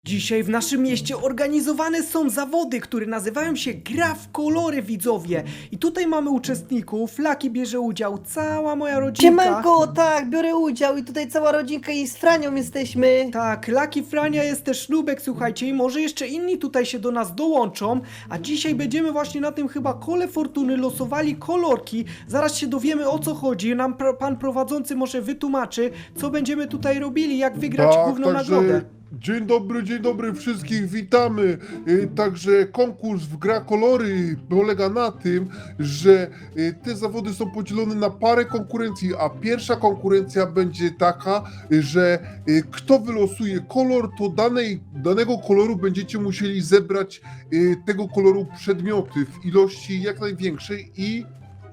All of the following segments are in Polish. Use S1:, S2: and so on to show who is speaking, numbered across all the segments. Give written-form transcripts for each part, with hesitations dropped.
S1: Dzisiaj w naszym mieście organizowane są zawody, które nazywają się Gra w kolory, widzowie. I tutaj mamy uczestników, Lucky bierze udział, cała moja rodzinka.
S2: Siemanko, tak, biorę udział i tutaj cała rodzinka i z Franią jesteśmy.
S1: Tak, Lucky, Frania, jest też Nubek, słuchajcie, i może jeszcze inni tutaj się do nas dołączą. A dzisiaj będziemy właśnie na tym chyba kole fortuny losowali kolorki. Zaraz się dowiemy, o co chodzi. Nam pan prowadzący może wytłumaczy, co będziemy tutaj robili, jak wygrać główną nagrodę.
S3: Dzień dobry, wszystkich witamy. Także konkurs w Gra Kolory polega na tym, że te zawody są podzielone na parę konkurencji, a pierwsza konkurencja będzie taka, że kto wylosuje kolor, to danego koloru będziecie musieli zebrać tego koloru przedmioty w ilości jak największej i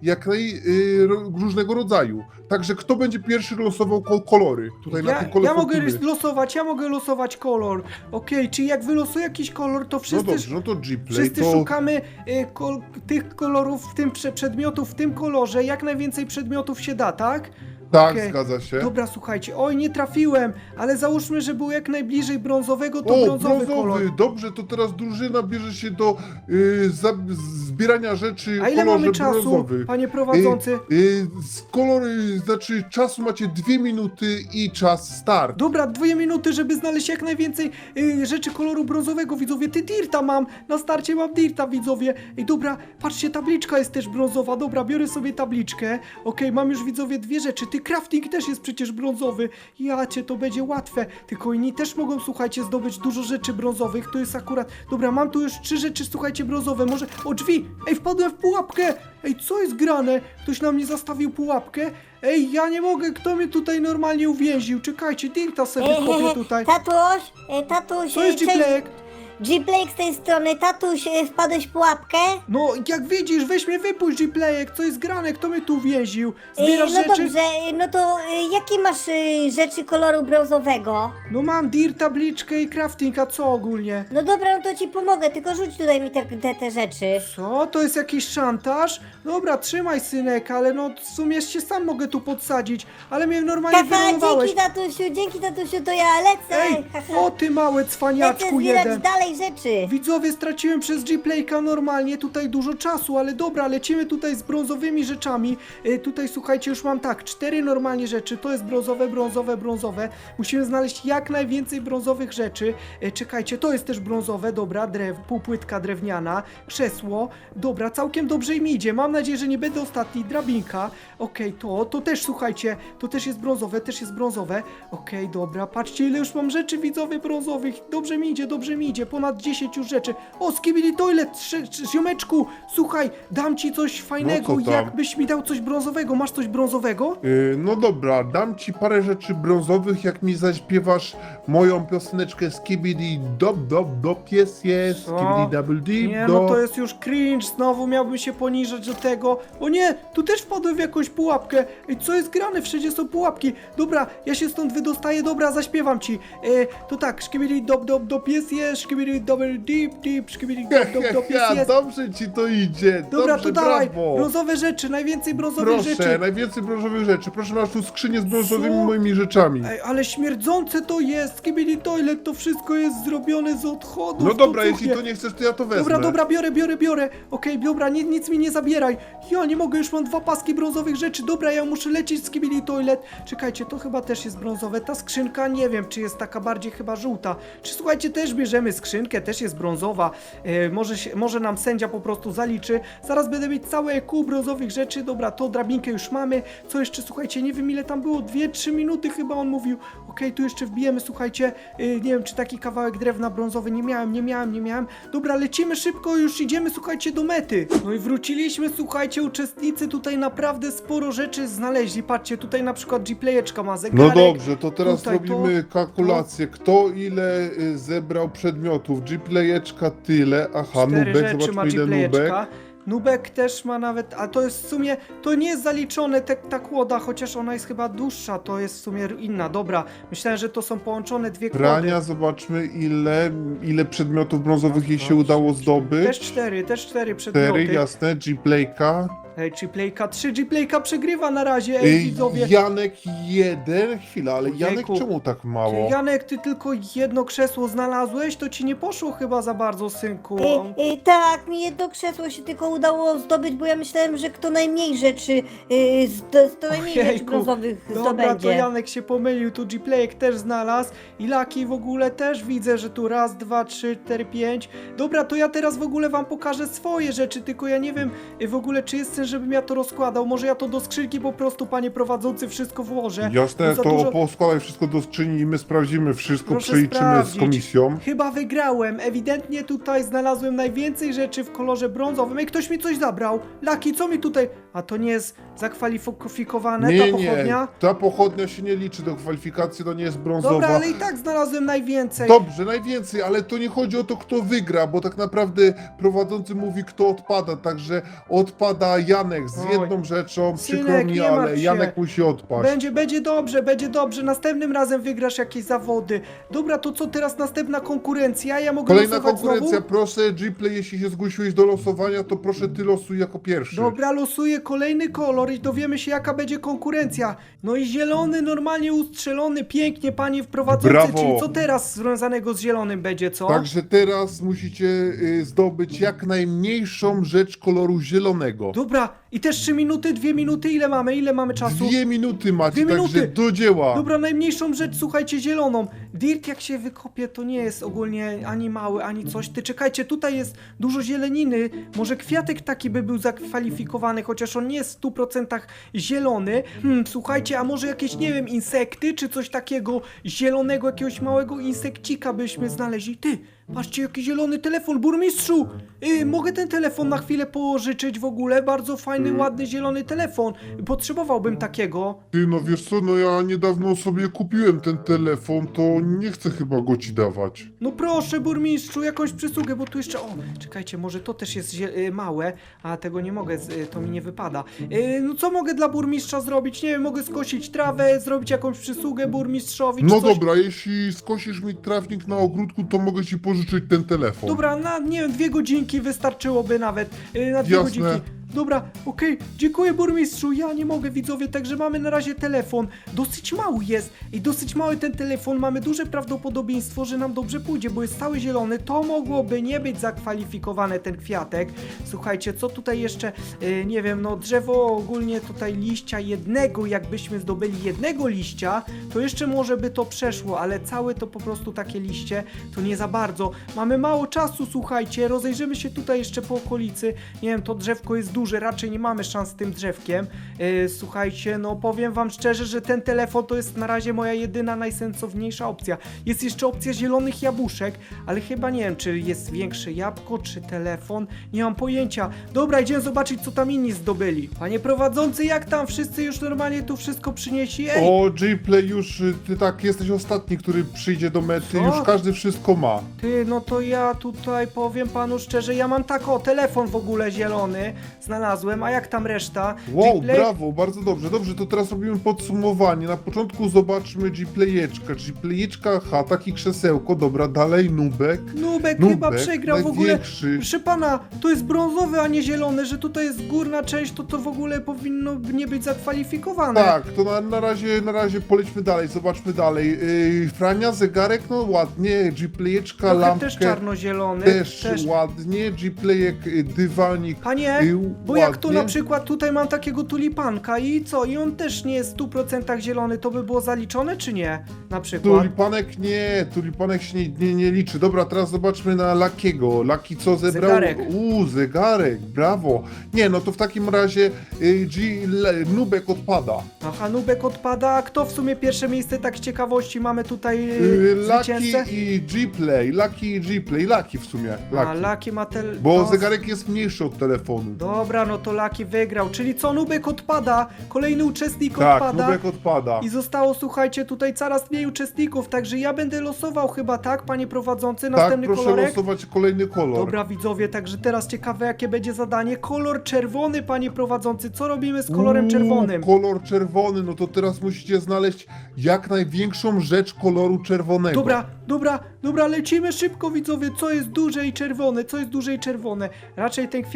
S3: różnego rodzaju. Także kto będzie pierwszy losował kolory tutaj na tym kole
S1: Ja mogę
S3: fortuny?
S1: losować kolor. Okej, czyli jak wylosuję jakiś kolor, to
S3: No
S1: wszyscy,
S3: dobrze, no to G-Play,
S1: wszyscy
S3: to...
S1: szukamy tych kolorów, w tym przedmiotów w tym kolorze. Jak najwięcej przedmiotów się da, tak?
S3: Tak,
S1: Okej.
S3: zgadza się.
S1: Dobra, słuchajcie, oj, nie trafiłem, ale załóżmy, że był jak najbliżej brązowego, to
S3: O,
S1: brązowy kolor.
S3: Dobrze, to teraz drużyna bierze się do zbierania rzeczy
S1: A ile
S3: w kolorze
S1: mamy czasu,
S3: brązowy.
S1: panie prowadzący?
S3: Znaczy czasu macie 2 minuty i czas start.
S1: Dobra, 2 minuty, żeby znaleźć jak najwięcej rzeczy koloru brązowego, widzowie. Ty dirta mam, na starcie mam dirta, widzowie. Ej, dobra, patrzcie, tabliczka jest też brązowa. Dobra, biorę sobie tabliczkę. Okej, mam już, widzowie, 2 rzeczy. Ty, crafting też jest przecież brązowy. Jacie, to będzie łatwe. Tylko inni też mogą, słuchajcie, zdobyć dużo rzeczy brązowych. To jest akurat... Dobra, mam tu już 3 rzeczy, słuchajcie, brązowe. Może... O, drzwi! Ej, wpadłem w pułapkę! Ej, co jest grane? Ktoś na mnie zastawił pułapkę? Ej, ja nie mogę, kto mnie tutaj normalnie uwięził? Czekajcie, dirta sobie kopię tutaj.
S2: Tatuś,
S1: Co jest
S2: cześć.
S1: G-Play?
S2: G-Play z tej strony, tatuś, wpadłeś w pułapkę?
S1: No, jak widzisz, weź mnie wypuść, G-Playek, co jest grane, kto mnie tu uwięził? Zbierasz
S2: No
S1: rzeczy?
S2: dobrze, no to jakie masz rzeczy koloru brązowego?
S1: No mam dir, tabliczkę i crafting, a co ogólnie?
S2: No dobra, no to ci pomogę, tylko rzuć tutaj mi te rzeczy.
S1: Co? To jest jakiś szantaż? Dobra, trzymaj, synek, ale no w sumie się sam mogę tu podsadzić, ale mnie normalnie
S2: Haha,
S1: wyrolowałeś.
S2: dzięki tatusiu, to ja lecę.
S1: Ej,
S2: Haha.
S1: o ty małe
S2: Lecę
S1: cwaniaczku
S2: zbierać
S1: jeden.
S2: dalej rzeczy.
S1: Widzowie, straciłem przez G-Playka normalnie tutaj dużo czasu, ale dobra, lecimy tutaj z brązowymi rzeczami. Tutaj słuchajcie, już mam tak, 4 normalnie rzeczy, to jest brązowe. Musimy znaleźć jak najwięcej brązowych rzeczy. Czekajcie, to jest też brązowe, dobra, półpłytka drewniana, krzesło, dobra, całkiem dobrze im idzie, mam nadzieję, że nie będę ostatni, drabinka, okej, to też słuchajcie, to też jest brązowe, okej, dobra, patrzcie ile już mam rzeczy, widzowie, brązowych, dobrze mi idzie, ponad 10 już rzeczy. O, Skibidi Toilet, ziomeczku, słuchaj, dam ci coś fajnego,
S3: co tam?
S1: jakbyś mi dał coś brązowego, masz coś brązowego?
S3: No dobra, dam ci parę rzeczy brązowych, jak mi zaśpiewasz moją pioseneczkę Skibidi Dop, pies jest,
S1: Co?
S3: Skibidi Double Deep,
S1: Nie, no to jest już cringe, znowu miałbym się poniżać do tego. O nie, tu też wpadłem w jakąś pułapkę. Ej, co jest grane? Wszędzie są pułapki. Dobra, ja się stąd wydostaję, dobra, zaśpiewam ci. To tak, Skibidi Dop, jest, Skibidi Double Deep, Skibidi Dop, jest.
S3: Dobrze ci to idzie,
S1: Dobra,
S3: dobrze,
S1: to dawaj,
S3: brawo.
S1: brązowe rzeczy, najwięcej brązowych
S3: Proszę,
S1: rzeczy.
S3: najwięcej brązowych rzeczy. Proszę, masz tu skrzynię z brązowymi
S1: Co?
S3: moimi rzeczami.
S1: Ej, ale śmierdzące to jest, Skibidi Toilet, to wszystko jest zrobione z odchodów.
S3: No dobra,
S1: to
S3: jeśli
S1: cuchnie.
S3: to nie chcesz, to ja to wezmę.
S1: Dobra, biorę. Okej, dobra, nic mi nie zabieraj. Ja nie mogę, już mam 2 paski brązowych rzeczy. Dobra, ja muszę lecieć z Skibidi Toilet. Czekajcie, to chyba też jest brązowe. Ta skrzynka, nie wiem, czy jest taka bardziej chyba żółta. Czy słuchajcie, też bierzemy skrzynkę, też jest brązowa. Może nam sędzia po prostu zaliczy. Zaraz będę mieć całe kół brązowych rzeczy. Dobra, to drabinkę już mamy. Co jeszcze, słuchajcie, nie wiem ile tam było. 2-3 minuty chyba on mówił. Okej, tu jeszcze wbijemy, słuchajcie. Nie wiem, czy taki kawałek drewna brązowy nie miałem. Dobra, lecimy szybko, już idziemy, słuchajcie, do mety. No i wróciliśmy, słuchajcie, uczestnicy tutaj naprawdę sporo rzeczy znaleźli. Patrzcie, tutaj na przykład G-Playeczka ma zegarek.
S3: No dobrze, to teraz
S1: Tutaj
S3: robimy kalkulację. Kto ile zebrał przedmiotów? G-Playeczka tyle. Aha,
S1: 4
S3: Nubek,
S1: rzeczy ma
S3: zobaczmy ile Nubek.
S1: G-Playeczka. Nubek też ma nawet, a to jest w sumie, to nie jest zaliczone ta kłoda, chociaż ona jest chyba dłuższa, to jest w sumie inna, dobra. Myślałem, że to są połączone 2 kłody.
S3: Prania, zobaczmy ile przedmiotów brązowych jej się udało zdobyć.
S1: Też 4 przedmioty.
S3: 4, jasne, G-Playka.
S1: Ej, G-Playka 3, G-Playka przegrywa na razie, ej, widzowie.
S3: Janek 1, chwila, ale Janek
S1: Ojejku.
S3: czemu tak mało?
S1: Janek, ty tylko jedno krzesło znalazłeś? To ci nie poszło chyba za bardzo, synku.
S2: Tak, mi jedno krzesło się tylko udało zdobyć, bo ja myślałem, że kto najmniej rzeczy, to najmniej rzeczy
S1: Ojejku.
S2: brązowych
S1: Dobra, to
S2: zdobędzie.
S1: Janek się pomylił, tu G-Playek też znalazł i Lucky w ogóle też widzę, że tu raz, dwa, trzy, cztery, pięć. Dobra, to ja teraz w ogóle wam pokażę swoje rzeczy, tylko ja nie wiem w ogóle, czy jest sens, żebym ja to rozkładał. Może ja to do skrzynki po prostu, panie prowadzący, wszystko włożę.
S3: Jasne,
S1: Za
S3: to
S1: dużo-
S3: poskładaj wszystko do skrzyni i my sprawdzimy wszystko,
S1: Proszę
S3: przeliczymy z
S1: sprawdzić.
S3: komisją.
S1: Chyba wygrałem. Ewidentnie tutaj znalazłem najwięcej rzeczy w kolorze brązowym. Ej, ktoś mi coś zabrał. Lucky, co mi tutaj... A to nie jest zakwalifikowane, ta
S3: Nie,
S1: pochodnia?
S3: ta pochodnia się nie liczy do kwalifikacji, to nie jest brązowa.
S1: Dobra, ale i tak znalazłem najwięcej.
S3: Dobrze, najwięcej, ale to nie chodzi o to, kto wygra, bo tak naprawdę prowadzący mówi, kto odpada, także odpada Janek z
S1: Oj.
S3: jedną rzeczą, przykro
S1: Synek,
S3: mi,
S1: nie martw
S3: ale
S1: się.
S3: Janek musi odpaść.
S1: Będzie dobrze, będzie dobrze. Następnym razem wygrasz jakieś zawody. Dobra, to co teraz następna konkurencja? Ja mogę
S3: Kolejna
S1: losować
S3: konkurencja,
S1: znowu?
S3: proszę Gplay, jeśli się zgłosiłeś do losowania, to proszę ty losuj jako pierwszy.
S1: Dobra, losuję kolejny kolor i dowiemy się, jaka będzie konkurencja. No i zielony, normalnie ustrzelony, pięknie, panie wprowadzący.
S3: Brawo.
S1: Czyli co teraz związanego z zielonym będzie, co?
S3: Także teraz musicie zdobyć jak najmniejszą rzecz koloru zielonego.
S1: Dobra, i też 3 minuty, 2 minuty, ile mamy? Ile mamy czasu?
S3: 2 minuty macie,
S1: 2
S3: także
S1: minuty.
S3: do dzieła.
S1: Dobra, najmniejszą rzecz, słuchajcie, zieloną. Dirt jak się wykopie, to nie jest ogólnie ani mały, ani coś. Ty czekajcie, tutaj jest dużo zieleniny. Może kwiatek taki by był zakwalifikowany, chociaż on nie jest w 100% zielony. Słuchajcie, a może jakieś, nie wiem, insekty, czy coś takiego zielonego, jakiegoś małego insekcika byśmy znaleźli. Ty, patrzcie, jaki zielony telefon, burmistrzu! Mogę ten telefon na chwilę pożyczyć w ogóle? Bardzo fajny, ładny, zielony telefon. Potrzebowałbym takiego.
S3: Ty, no wiesz co, no ja niedawno sobie kupiłem ten telefon, to nie chcę chyba go ci dawać.
S1: No proszę, burmistrzu, jakąś przysługę, bo tu jeszcze... O, czekajcie, może to też jest małe, a tego nie mogę, to mi nie wypada. No co mogę dla burmistrza zrobić? Nie wiem, mogę skosić trawę, zrobić jakąś przysługę burmistrzowi, czy
S3: No
S1: coś.
S3: dobra, jeśli skosisz mi trawnik na ogródku, to mogę ci pożyczyć ten telefon.
S1: Dobra, na, nie wiem, 2 godzinki wystarczyłoby nawet, na 2
S3: Jasne.
S1: godzinki. Dobra, okej, dziękuję burmistrzu, ja nie mogę widzowie, także mamy na razie telefon, dosyć mały jest i dosyć mały ten telefon, mamy duże prawdopodobieństwo, że nam dobrze pójdzie, bo jest cały zielony, to mogłoby nie być zakwalifikowane ten kwiatek. Słuchajcie, co tutaj jeszcze, nie wiem, no drzewo ogólnie tutaj liścia jednego, jakbyśmy zdobyli jednego liścia, to jeszcze może by to przeszło, ale całe to po prostu takie liście, to nie za bardzo. Mamy mało czasu, słuchajcie, rozejrzymy się tutaj jeszcze po okolicy, nie wiem, to drzewko jest duże, raczej nie mamy szans z tym drzewkiem. Słuchajcie, no powiem wam szczerze, że ten telefon to jest na razie moja jedyna, najsensowniejsza opcja. Jest jeszcze opcja zielonych jabłuszek, ale chyba nie wiem, czy jest większe jabłko, czy telefon, nie mam pojęcia. Dobra, idziemy zobaczyć, co tam inni zdobyli. Panie prowadzący, jak tam? Wszyscy już normalnie tu wszystko przynieśli? Ej!
S3: O, Gplay, już ty tak jesteś ostatni, który przyjdzie do mety,
S1: Co?
S3: już każdy wszystko ma.
S1: Ty, no to ja tutaj powiem panu szczerze, ja mam tak, o, telefon w ogóle zielony znalazłem, a jak tam reszta?
S3: Wow,
S1: Gplay-
S3: brawo, bardzo dobrze. Dobrze, to teraz robimy podsumowanie. Na początku zobaczmy Gplayeczkę. Gplayeczka, taki krzesełko, dobra, dalej Nubek.
S1: Nubek
S3: Nubek,
S1: chyba przegrał w ogóle.
S3: największy.
S1: Proszę pana, to jest brązowy, a nie zielony, że tutaj jest górna część, to w ogóle powinno nie być zakwalifikowane.
S3: Tak, to na razie polećmy dalej, zobaczmy dalej. Frania, zegarek, no ładnie, Gplayeczka,
S1: Trochę
S3: lampkę
S1: też czarno-zielony.
S3: też ładnie, Gplayek, dywanik.
S1: Panie, bo
S3: ładnie.
S1: jak to na przykład tutaj mam takiego tulipanka i co? I on też nie jest w 100% zielony, to by było zaliczone czy nie? Na przykład.
S3: Tulipanek się nie liczy. Dobra, teraz zobaczmy na Luckiego. Lucky co zebrał?
S1: Zegarek.
S3: Zegarek, brawo. Nie, no to w takim razie Nubek odpada.
S1: Aha, Nubek odpada, a kto w sumie pierwsze miejsce tak z ciekawości mamy tutaj
S3: Lucky
S1: zwycięzcę?
S3: i Gplay. Lucky w sumie.
S1: A,
S3: Lucky.
S1: Lucky ma
S3: Bo
S1: to-
S3: zegarek jest mniejszy od telefonu.
S1: Dobra, no to Lucky wygrał, czyli co, Nubek odpada, kolejny uczestnik
S3: Tak,
S1: odpada.
S3: Nubek odpada.
S1: I zostało, słuchajcie, tutaj coraz mniej uczestników, także ja będę losował chyba, tak, panie prowadzący,
S3: Tak,
S1: następny
S3: proszę
S1: kolorek?
S3: losować kolejny kolor.
S1: Dobra, widzowie, także teraz ciekawe, jakie będzie zadanie. Kolor czerwony, panie prowadzący, co robimy z kolorem czerwonym?
S3: Kolor czerwony, no to teraz musicie znaleźć jak największą rzecz koloru czerwonego.
S1: Dobra, Dobra, lecimy szybko, widzowie, co jest duże i czerwone, raczej ten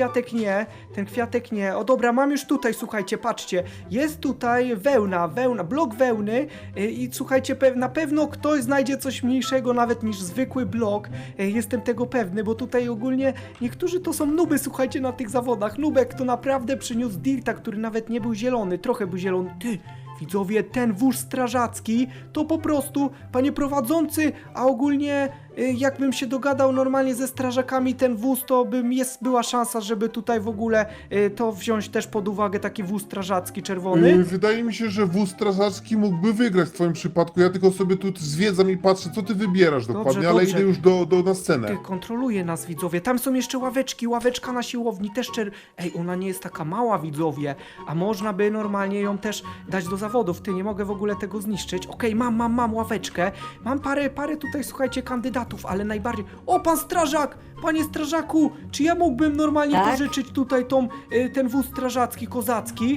S1: kwiatek nie, o dobra, mam już tutaj, słuchajcie, patrzcie, jest tutaj wełna, blok wełny i słuchajcie, na pewno ktoś znajdzie coś mniejszego nawet niż zwykły blok, jestem tego pewny, bo tutaj ogólnie niektórzy to są nuby, słuchajcie, na tych zawodach, nubek to naprawdę przyniósł dirta, który nawet nie był zielony, trochę był zielony, widzowie, ten wóz strażacki to po prostu, panie prowadzący, a ogólnie jakbym się dogadał normalnie ze strażakami ten wóz, to była szansa, żeby tutaj w ogóle to wziąć też pod uwagę, taki wóz strażacki czerwony.
S3: Wydaje mi się, że wóz strażacki mógłby wygrać w twoim przypadku. Ja tylko sobie tu zwiedzam i patrzę, co ty wybierasz dokładnie, ale
S1: dobrze.
S3: idę już na scenę.
S1: Ty, kontroluje nas, widzowie. Tam są jeszcze ławeczka na siłowni też Ej, ona nie jest taka mała, widzowie, a można by normalnie ją też dać do zawodów. Ty, nie mogę w ogóle tego zniszczyć. Okej, mam ławeczkę. Mam parę tutaj, słuchajcie, kandydatów, ale najbardziej... O, pan strażak! Panie strażaku, czy ja mógłbym normalnie
S2: Tak?
S1: pożyczyć tutaj ten wóz strażacki, kozacki?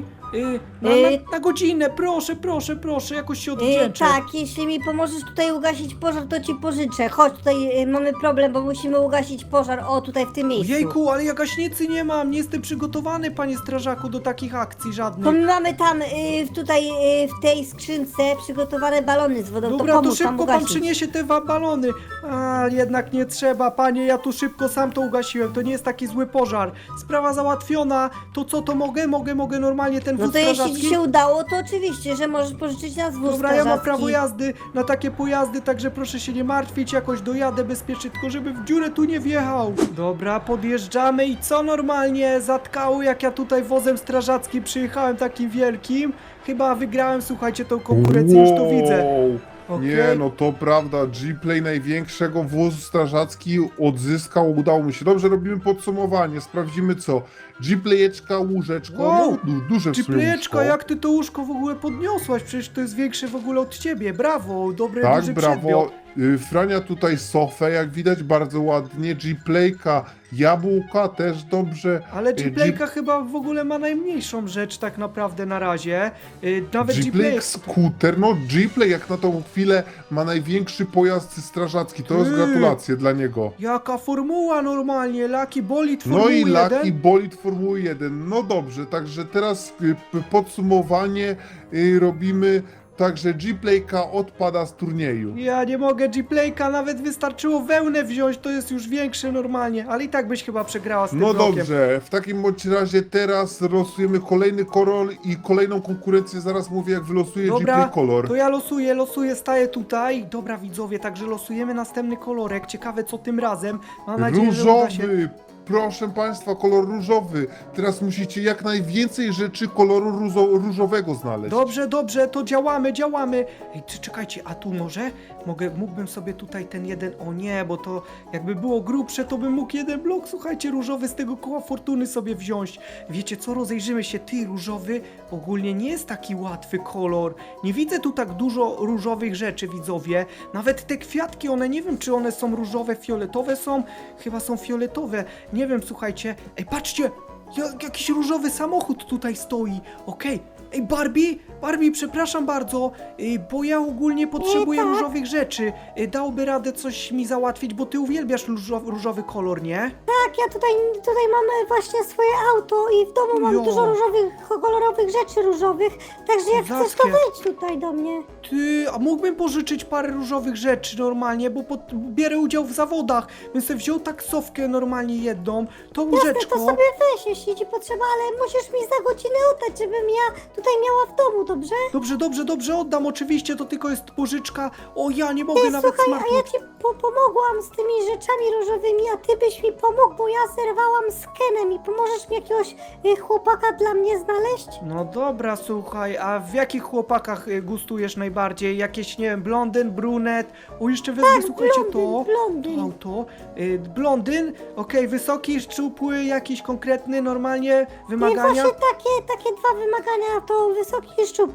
S1: Na godzinę, proszę, jakoś się odwdzięczę.
S2: Tak, jeśli mi pomożesz tutaj ugasić pożar, to ci pożyczę. Chodź, tutaj mamy problem, bo musimy ugasić pożar, o, tutaj w tym miejscu.
S1: Jejku, ale ja gaśnicy nie mam, nie jestem przygotowany, panie strażaku, do takich akcji
S2: To
S1: żadnych.
S2: my mamy tam, tutaj, w tej skrzynce przygotowane balony z wodą,
S1: Dobra,
S2: to
S1: to
S2: pomóż tam
S1: szybko pan
S2: ugasić.
S1: przyniesie te balony. A, jednak nie trzeba, panie, ja tu szybko sam to ugasiłem, to nie jest taki zły pożar. Sprawa załatwiona, to co, to mogę normalnie ten wóz
S2: No to jeśli
S1: strażacki?
S2: ci się udało, to oczywiście, że możesz pożyczyć nas wóz
S1: Dobra, ja mam
S2: strażacki.
S1: prawo jazdy na takie pojazdy, także proszę się nie martwić, jakoś dojadę bezpiecznie, tylko żeby w dziurę tu nie wjechał. Dobra, podjeżdżamy i co normalnie zatkało, jak ja tutaj wozem strażackim przyjechałem takim wielkim? Chyba wygrałem, słuchajcie, tą konkurencję, już to widzę. Okej.
S3: Nie, no to prawda, G-Play największego wozu strażacki odzyskał, udało mu się. Dobrze, robimy podsumowanie, sprawdzimy co. G-Playeczka, łóżeczko,
S1: Wow,
S3: no duże w sumie
S1: Ciplejeczka,
S3: łóżko.
S1: jak ty to łóżko w ogóle podniosłaś? Przecież to jest większe w ogóle od ciebie, brawo, dobry,
S3: Tak,
S1: duży
S3: brawo.
S1: przedmiot.
S3: Frania tutaj sofę, jak widać bardzo ładnie. G-Playka, jabłka też dobrze.
S1: Ale G-Playka chyba w ogóle ma najmniejszą rzecz tak naprawdę na razie. Nawet
S3: G-Play
S1: G-Play...
S3: skuter, no G-Play jak na tą chwilę ma największy pojazd strażacki, to jest gratulacje dla niego.
S1: Jaka formuła normalnie, Lucky Bolid Formuły
S3: No i
S1: 1.
S3: Lucky Bolid Formuły 1, no dobrze, także teraz podsumowanie robimy. Także G-Playka odpada z turnieju.
S1: Ja nie mogę, G-Playka, nawet wystarczyło wełnę wziąć, to jest już większe normalnie, ale i tak byś chyba przegrała z tym
S3: No
S1: blokiem.
S3: dobrze, w takim bądź razie teraz losujemy kolejny kolor i kolejną konkurencję, zaraz mówię jak wylosuje
S1: Dobra,
S3: G-Play kolor.
S1: to ja losuję, staję tutaj. Dobra, widzowie, także losujemy następny kolorek. Ciekawe co tym razem. Mam nadzieję, że uda się.
S3: Różowy, proszę państwa, kolor różowy. Teraz musicie jak najwięcej rzeczy koloru różowego znaleźć.
S1: Dobrze, to działamy. Ej, czekajcie, a tu może? Mógłbym sobie tutaj ten jeden, o nie, bo to jakby było grubsze, to bym mógł jeden blok, słuchajcie, różowy z tego koła fortuny sobie wziąć. Wiecie co, rozejrzymy się, różowy ogólnie nie jest taki łatwy kolor. Nie widzę tu tak dużo różowych rzeczy, widzowie. Nawet te kwiatki, one nie wiem, czy one są różowe, fioletowe są? Chyba są fioletowe. Nie wiem, słuchajcie. Ej, patrzcie! Jakiś różowy samochód tutaj stoi. Okej. Ej, Barbie, przepraszam bardzo, bo ja ogólnie potrzebuję
S2: tak.
S1: różowych rzeczy. Dałoby radę coś mi załatwić, bo ty uwielbiasz różowy kolor, nie?
S2: Tak, ja tutaj mamy właśnie swoje auto i w domu mam
S1: Jo.
S2: dużo różowych, kolorowych rzeczy różowych, także jak chcesz, to
S1: Kozackie.
S2: wejdź tutaj do mnie.
S1: Ty, a mógłbym pożyczyć parę różowych rzeczy normalnie, bo bierę udział w zawodach. Bym sobie wziął taksówkę normalnie jedną, to
S2: Jasne,
S1: łóżeczko.
S2: to sobie weź, jeśli ci potrzeba, ale musisz mi za godzinę oddać, żebym ja tutaj miała w domu, dobrze?
S1: Dobrze, oddam, oczywiście, to tylko jest pożyczka. O, ja nie mogę
S2: Ty,
S1: nawet
S2: słuchaj, a ja
S1: smartfon.
S2: ci pomogłam z tymi rzeczami różowymi, a ty byś mi pomógł, bo ja zerwałam z Kenem i pomożesz mi jakiegoś chłopaka dla mnie znaleźć?
S1: No dobra, słuchaj, a w jakich chłopakach gustujesz najbardziej? Jakieś, nie wiem, blondyn, brunet? O, jeszcze wezmę, słuchajcie,
S2: blondyn.
S1: to auto. Blondyn, okej, wysoki, szczupły, jakiś konkretny, normalnie
S2: I
S1: wymagania?
S2: właśnie takie dwa wymagania, to wysoki i szczupły.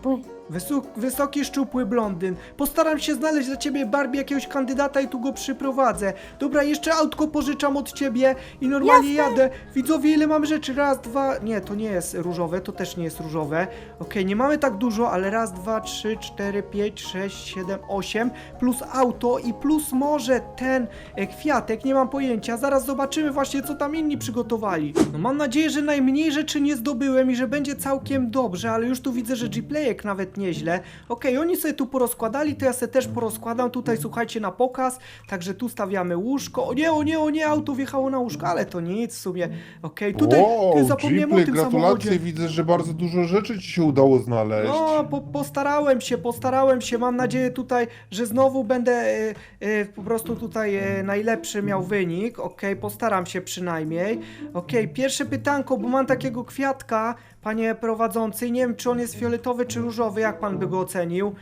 S1: Wysoki, szczupły blondyn. Postaram się znaleźć dla ciebie, Barbie, jakiegoś kandydata i tu go przyprowadzę. Dobra, jeszcze autko pożyczam od ciebie i normalnie jadę. Widzowie, ile mam rzeczy? Raz, dwa... Nie, to nie jest różowe, to też nie jest różowe. Okej, nie mamy tak dużo, ale raz, dwa, trzy, cztery, pięć, sześć, siedem, 8, plus auto i plus może ten kwiatek, nie mam pojęcia. Zaraz zobaczymy właśnie, co tam inni przygotowali. No mam nadzieję, że najmniej rzeczy nie zdobyłem i że będzie całkiem dobrze, ale już tu widzę, że G-Playek nawet nieźle. Okej, oni sobie tu porozkładali, to ja sobie też porozkładam tutaj, słuchajcie, na pokaz. Także tu stawiamy łóżko. O nie, auto wjechało na łóżko, ale to nic w sumie. Okej, tutaj
S3: Wow,
S1: zapomniałem o
S3: Gplay,
S1: tym
S3: gratulacje,
S1: samochodzie.
S3: widzę, że bardzo dużo rzeczy ci się udało znaleźć.
S1: No, postarałem się. Mam nadzieję tutaj, że znowu będę po prostu tutaj najlepszy miał wynik. Okej, postaram się przynajmniej. Okej, pierwsze pytanko, bo mam takiego kwiatka, panie prowadzący. Nie wiem, czy on jest fioletowy, czy różowy. Jak pan by go ocenił?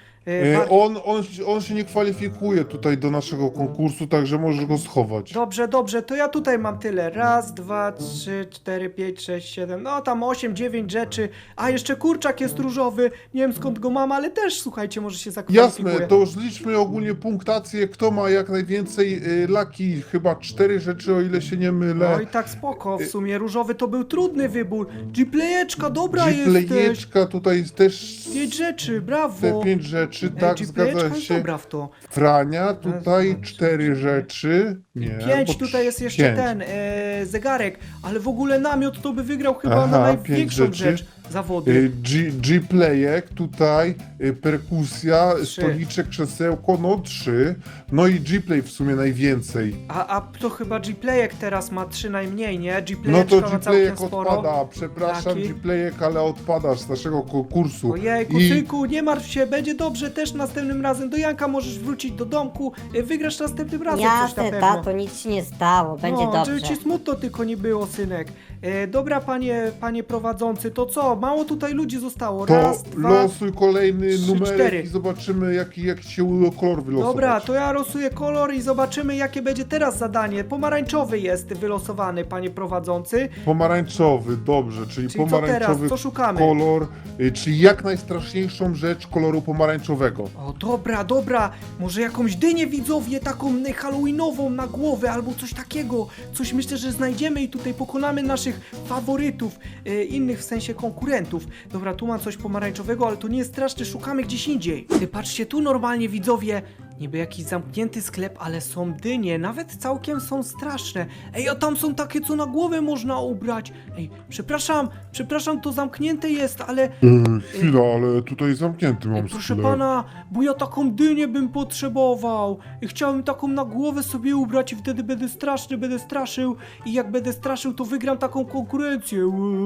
S3: On się nie kwalifikuje tutaj do naszego konkursu, także możesz go schować.
S1: Dobrze, to ja tutaj mam tyle. Raz, dwa, trzy, cztery, pięć, sześć, siedem, no tam 8, 9 rzeczy. A jeszcze kurczak jest różowy, nie wiem skąd go mam, ale też, słuchajcie, może się zakwalifikuje.
S3: Jasne, to już liczmy ogólnie punktację, kto ma jak najwięcej laki, chyba 4 rzeczy, o ile się nie mylę.
S1: No i tak spoko, w sumie różowy to był trudny wybór. G-Playeczka, dobra jesteś.
S3: G-Playeczka tutaj też
S1: 5 rzeczy, brawo.
S3: te 5 rzeczy, tak,
S1: G-Playeczka
S3: zgadza
S1: jest
S3: się.
S1: dobra w to.
S3: Frania, tutaj
S1: Raz,
S3: 4 rzeczy. Nie,
S1: 5,
S3: bo
S1: tutaj jest jeszcze
S3: 5.
S1: ten zegarek, ale w ogóle namiot to by wygrał chyba
S3: Aha,
S1: na
S3: 5
S1: największą
S3: rzeczy.
S1: rzecz zawody.
S3: G-Playek, tutaj perkusja,
S1: 3.
S3: stoliczek, krzesełko, no 3. No i G-Play w sumie najwięcej.
S1: A to chyba G-Playek teraz ma 3 najmniej, nie?
S3: No
S1: G-Playeczka
S3: to
S1: ma całkiem
S3: G-Playek
S1: sporo.
S3: odpada, przepraszam
S1: Taki.
S3: G-Playek, ale odpadasz z naszego konkursu.
S1: Ojejku,
S3: I
S1: synku, nie martw się, będzie dobrze też następnym razem. Do Janka możesz wrócić do domku, wygrasz następnym razem coś na
S2: Jasne,
S1: pewno.
S2: tato, nic ci nie stało, będzie
S1: No,
S2: dobrze.
S1: żeby ci smutno tylko nie było, synek. Dobra, panie prowadzący, to co? Mało tutaj ludzi zostało.
S3: to
S1: Raz, dwa...
S3: losuj kolejny
S1: 3,
S3: numerek
S1: 4.
S3: i zobaczymy jaki się kolor wylosować.
S1: Dobra, to ja losuję kolor i zobaczymy, jakie będzie teraz zadanie. Pomarańczowy jest wylosowany, panie prowadzący.
S3: Pomarańczowy, dobrze, czyli
S1: Czyli co teraz?
S3: pomarańczowy
S1: Co szukamy?
S3: kolor, czyli jak najstraszniejszą rzecz koloru pomarańczowego.
S1: O, dobra, może jakąś dynię, widzowie, taką halloweenową na głowę, albo coś takiego. Coś myślę, że znajdziemy i tutaj pokonamy naszych faworytów, innych w sensie konkurentów. Dobra, tu mam coś pomarańczowego, ale to nie jest straszne, szukamy gdzieś indziej. Patrzcie, tu normalnie, widzowie, niby jakiś zamknięty sklep, ale są dynie, nawet całkiem są straszne. Ej, a tam są takie, co na głowę można ubrać. Ej, przepraszam, to zamknięte jest, ale...
S3: Chwila, ale tutaj zamknięty mam
S1: Proszę
S3: sklep.
S1: pana, bo ja taką dynię bym potrzebował i chciałem taką na głowę sobie ubrać i wtedy będę straszny, będę straszył i jak będę straszył, to wygram taką konkurencję.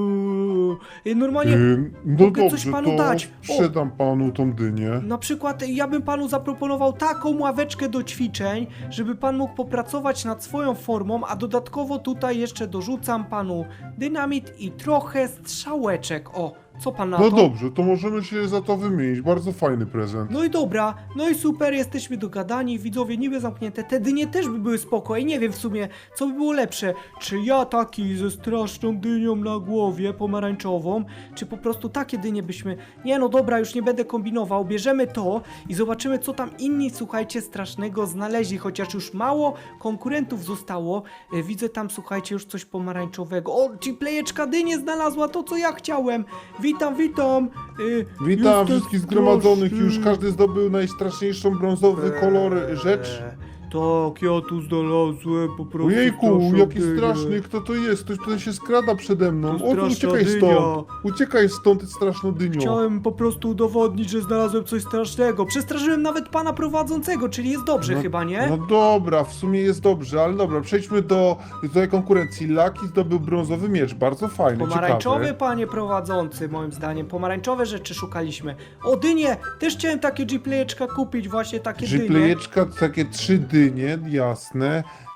S1: I normalnie
S3: No
S1: mogę coś
S3: dobrze,
S1: panu
S3: to
S1: dać. O.
S3: sprzedam panu tą dynię.
S1: na przykład ja bym panu zaproponował taką ławeczkę do ćwiczeń, żeby pan mógł popracować nad swoją formą, a dodatkowo tutaj jeszcze dorzucam panu dynamit i trochę strzałeczek. O, co pan na
S3: No
S1: to?
S3: dobrze, to możemy się za to wymienić. Bardzo fajny prezent.
S1: No i dobra, no i super, jesteśmy dogadani, widzowie niby zamknięte, te dynie też by były spoko i nie wiem w sumie, co by było lepsze, czy ja taki ze straszną dynią na głowie, pomarańczową, czy po prostu takie dynie byśmy, nie no dobra, już nie będę kombinował, bierzemy to i zobaczymy, co tam inni, słuchajcie, strasznego znaleźli, chociaż już mało konkurentów zostało, widzę tam, słuchajcie, już coś pomarańczowego, o, G-Playeczka dynię znalazła, to co ja chciałem, witam,
S3: Witam
S1: jestem
S3: wszystkich zgromadzonych.
S1: straszny.
S3: Już każdy zdobył najstraszniejszą brązowy kolor rzecz.
S1: Tak, ja tu znalazłem po prostu.
S3: Ojejku,
S1: straszną
S3: jaki
S1: dynię.
S3: straszny, kto to jest? Ktoś tutaj się skrada przede mną.
S1: To
S3: O,
S1: straszna
S3: uciekaj
S1: dynia.
S3: stąd. Uciekaj stąd, straszną dynią.
S1: Chciałem po prostu udowodnić, że znalazłem coś strasznego. Przestraszyłem nawet pana prowadzącego, czyli jest dobrze chyba, nie?
S3: No dobra, w sumie jest dobrze, ale dobra, przejdźmy do tej konkurencji. Lucky zdobył brązowy miecz, bardzo fajny,
S1: Pomarańczowy,
S3: ciekawy.
S1: panie prowadzący, moim zdaniem. Pomarańczowe rzeczy szukaliśmy. O, dynie! Też chciałem takie G-Playeczka kupić, właśnie takie dynie.
S3: G-Playeczka, takie 3 dynie, jasne.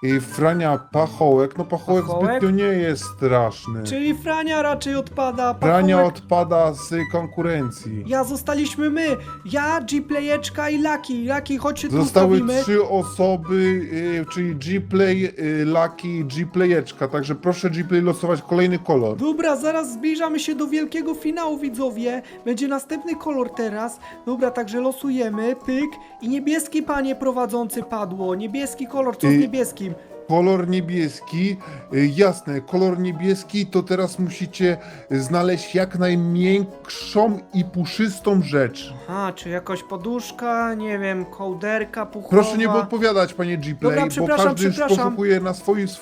S3: Frania Pachołek. No Pachołek
S1: Pachołek?
S3: zbytnio nie jest straszny.
S1: Czyli Frania raczej odpada.
S3: Frania
S1: Pachołek.
S3: odpada z konkurencji.
S1: Ja zostaliśmy my. Ja, G-Playeczka i Lucky. Lucky, chodź się tu
S3: Zostały
S1: ustawimy.
S3: 3 osoby, czyli G-Play, Lucky i G-Playeczka, także proszę G-Play losować kolejny kolor.
S1: Dobra, zaraz zbliżamy się do wielkiego finału, widzowie. Będzie następny kolor teraz. Dobra, także losujemy. Pyk. I niebieski, panie prowadzący, padło. Niebieski kolor, co z niebieskim?
S3: Kolor niebieski, jasne, kolor niebieski to teraz musicie znaleźć jak najmiększą i puszystą rzecz.
S1: A, czy jakaś poduszka, nie wiem, kołderka puchowa.
S3: Proszę nie odpowiadać, panie G-Play,
S1: Dobra,
S3: bo
S1: przepraszam,
S3: każdy już
S1: przepraszam.
S3: poszukuje na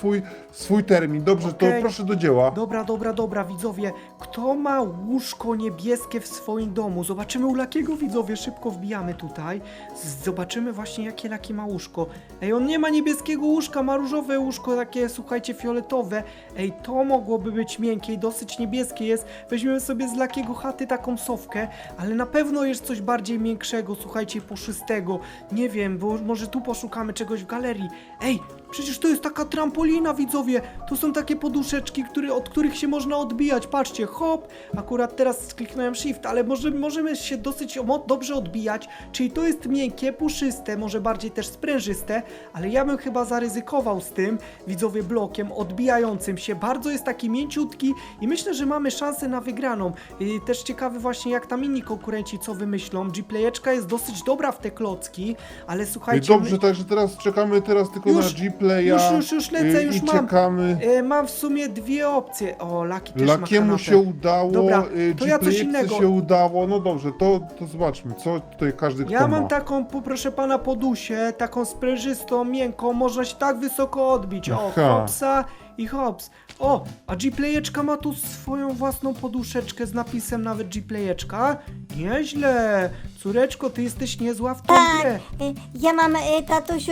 S3: swój termin. Dobrze, to
S1: Okej.
S3: proszę do dzieła.
S1: Dobra, widzowie. Kto ma łóżko niebieskie w swoim domu? Zobaczymy u Lakiego, widzowie. Szybko wbijamy tutaj. Zobaczymy właśnie, jakie Laki ma łóżko. Ej, on nie ma niebieskiego łóżka, ma różowe łóżko, takie, słuchajcie, fioletowe. Ej, to mogłoby być miękkie i dosyć niebieskie jest. Weźmiemy sobie z Lakiego chaty taką sofkę, ale na pewno jest coś bardziej miększego, słuchajcie, puszystego. Nie wiem, bo może tu poszukamy czegoś w galerii. Ej, przecież to jest taka trampolina, widzowie. To są takie poduszeczki, od których się można odbijać. Patrzcie, hop. Akurat teraz kliknąłem shift, ale możemy się dosyć dobrze odbijać. Czyli to jest miękkie, puszyste, może bardziej też sprężyste, ale ja bym chyba zaryzykował z tym, widzowie, blokiem odbijającym się. Bardzo jest taki mięciutki i myślę, że mamy szansę na wygraną. Też ciekawy właśnie, jak tam inni konkurenci co wymyślą. G-Playeczka jest dosyć dobra w te klocki, ale słuchajcie...
S3: Dobrze, także teraz czekamy tylko
S1: Już,
S3: na G-Playa.
S1: już lecę, już
S3: i
S1: mam.
S3: czekamy.
S1: Mam w sumie dwie opcje. O, Lucky też ma
S3: Lakiemu
S1: kanapę.
S3: się udało,
S1: Dobra, to ja coś
S3: G-Playce
S1: innego.
S3: się udało. No dobrze, to zobaczmy, co tutaj każdy
S1: Ja
S3: kto
S1: mam
S3: ma.
S1: taką, proszę pana, podusię, taką sprężystą, miękką, można się tak wysoko odbić. O,
S3: Aha.
S1: hopsa i hops. O, a G-Playeczka ma tu swoją własną poduszeczkę z napisem nawet G-Playeczka. Nieźle. Córeczko, ty jesteś niezła w tą grę.
S2: Ja mam, tatusiu,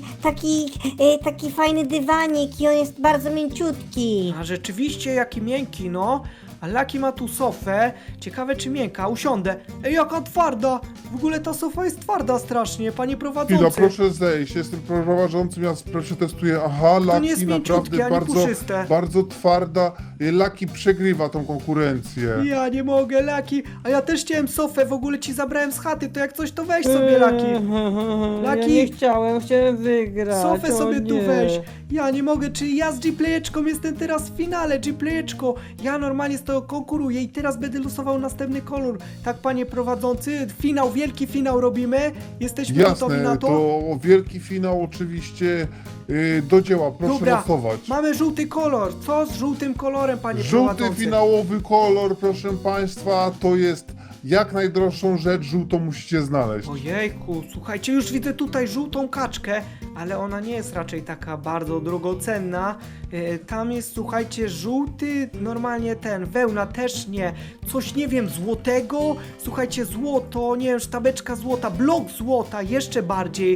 S2: taki fajny dywanik i on jest bardzo mięciutki.
S1: A rzeczywiście, jaki miękki, no. A Lucky ma tu sofę. Ciekawe, czy miękka. Usiądę. Ej, jaka twarda. W ogóle ta sofa jest twarda strasznie, panie
S3: Chwila,
S1: prowadzący.
S3: proszę zejść, jestem prowadzącym, ja przetestuję. Aha,
S1: To nie jest
S3: Lucky naprawdę
S1: mięciutkie, ani puszyste.
S3: bardzo twarda. Lucky przegrywa tą konkurencję.
S1: Ja nie mogę, Lucky. A ja też chciałem sofę, w ogóle ci zabrałem z chaty, to jak coś to weź sobie, Lucky.
S4: Ja
S1: Lucky.
S4: nie chciałem wygrać.
S1: Sofę
S4: o
S1: sobie tu
S4: nie.
S1: weź. Ja nie mogę, czy ja z G-Playeczką jestem teraz w finale, G-Playeczko. Ja normalnie z tego konkuruję i teraz będę losował następny kolor. Tak, panie prowadzący, finał, wielki finał robimy. Jesteśmy gotowi
S3: Jasne,
S1: na
S3: to wielki finał oczywiście. Do dzieła, proszę
S1: Dobra,
S3: losować.
S1: mamy żółty kolor. Co z żółtym kolorem, panie
S3: Żółty
S1: prowadzący?
S3: finałowy kolor, proszę państwa, to jest jak najdroższą rzecz, żółtą musicie znaleźć.
S1: Ojejku, słuchajcie, już widzę tutaj żółtą kaczkę, ale ona nie jest raczej taka bardzo drogocenna. Tam jest, słuchajcie, żółty, normalnie wełna też nie. Coś, nie wiem, złotego. Słuchajcie, złoto, nie wiem, sztabeczka złota, blok złota, jeszcze bardziej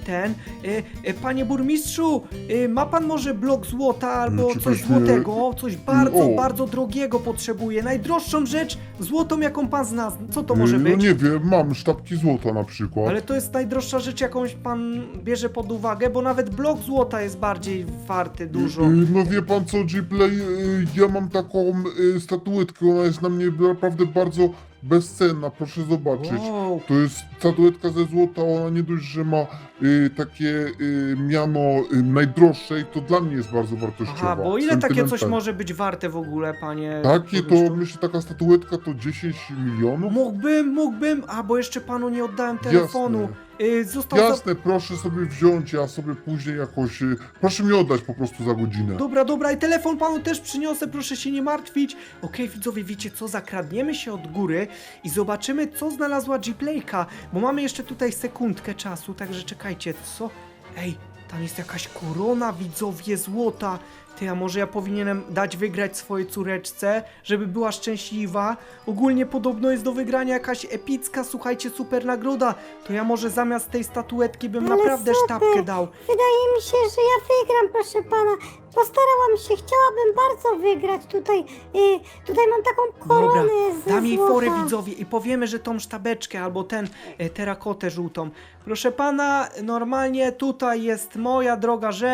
S1: Panie burmistrzu, ma pan może blok złota albo coś
S3: Czegoś nie-
S1: złotego? Coś bardzo,
S3: O.
S1: bardzo drogiego potrzebuję. Najdroższą rzecz, złotą, jaką pan zna. Co to może
S3: No
S1: być?
S3: nie wiem, mam sztabki złota na przykład.
S1: Ale to jest najdroższa rzecz, jakąś pan bierze pod uwagę, bo nawet blok złota jest bardziej warty dużo.
S3: No wie pan co, G-Play, ja mam taką statuetkę, ona jest na mnie naprawdę bardzo bezcenna, proszę zobaczyć.
S1: Wow.
S3: To jest statuetka ze złota, ona nie dość, że ma takie miano najdroższej, to dla mnie jest bardzo wartościowa.
S1: Aha, bo ile takie coś
S3: sentymentalna.
S1: może być warte w ogóle, panie
S3: Takie to,
S1: burmistrzu?
S3: myślę, taka statuetka to 10 milionów?
S1: Mógłbym, bo jeszcze panu nie oddałem telefonu. Został
S3: Jasne, proszę sobie wziąć, ja sobie później jakoś, proszę mi oddać po prostu za godzinę.
S1: Dobra, i telefon panu też przyniosę, proszę się nie martwić. Okej, widzowie, wiecie co, zakradniemy się od góry i zobaczymy, co znalazła G-Playka, bo mamy jeszcze tutaj sekundkę czasu, także czekajcie, co? Ej, tam jest jakaś korona, widzowie, złota. Ty, a może ja powinienem dać wygrać swojej córeczce, żeby była szczęśliwa? Ogólnie podobno jest do wygrania jakaś epicka, słuchajcie, super nagroda. To ja może zamiast tej statuetki bym
S2: Ale
S1: naprawdę
S2: super.
S1: sztabkę dał.
S2: Wydaje mi się, że ja wygram, proszę pana. Postarałam się, chciałabym bardzo wygrać tutaj. Tutaj mam taką koronę
S1: Dobra,
S2: ze
S1: dam jej
S2: złota.
S1: forę, widzowie, i powiemy, że tą sztabeczkę albo terakotę żółtą. Proszę pana, normalnie tutaj jest moja droga rzecz.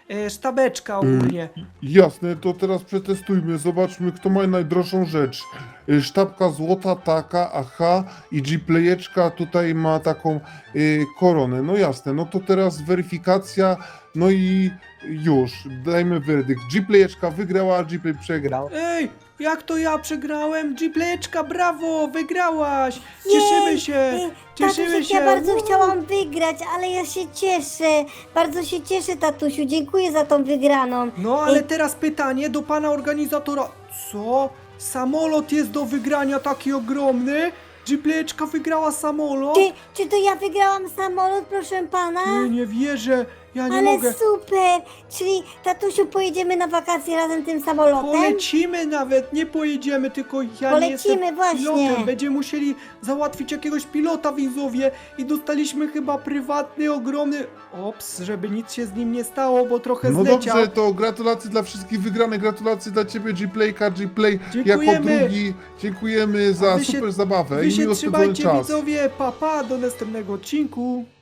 S1: sztabeczka ogólnie.
S3: Jasne, to teraz przetestujmy, zobaczmy kto ma najdroższą rzecz. Sztabka złota taka, aha, i G-Playeczka tutaj ma taką koronę. No jasne, no to teraz weryfikacja, no i już, dajmy werdykt. G-Playeczka wygrała, a G-Play przegrał.
S1: Ej, jak to ja przegrałem? G-Playeczka, brawo, wygrałaś! Cieszymy
S2: Jej,
S1: się! Cieszymy
S2: Tatusiek,
S1: się!
S2: ja bardzo
S1: Uuu.
S2: chciałam wygrać, ale ja się cieszę. Bardzo się cieszę, tatusiu. Dziękuję za tą wygraną.
S1: No ale teraz pytanie do pana organizatora. Co? Samolot jest do wygrania taki ogromny? G-Playeczka wygrała samolot?
S2: Czy to ja wygrałam samolot, proszę pana?
S1: Nie wierzę, ja nie
S2: Ale
S1: mogę.
S2: super! Czyli, tatusiu, pojedziemy na wakacje razem tym samolotem?
S1: Polecimy nawet, nie pojedziemy, tylko ja nie jestem
S2: Polecimy, właśnie.
S1: pilotem. Będziemy musieli załatwić jakiegoś pilota, widzowie. I dostaliśmy chyba prywatny, ogromny... Ops, żeby nic się z nim nie stało, bo trochę
S3: No
S1: zleciał.
S3: dobrze, to gratulacje dla wszystkich wygranych, gratulacje dla ciebie G-Playka, G-Play jako
S1: Dziękujemy.
S3: drugi. Dziękujemy za
S1: wy się-
S3: super zabawę
S1: Wy
S3: i
S1: się
S3: miło spędzony
S1: trzymajcie,
S3: czas.
S1: widzowie, pa, do następnego odcinku.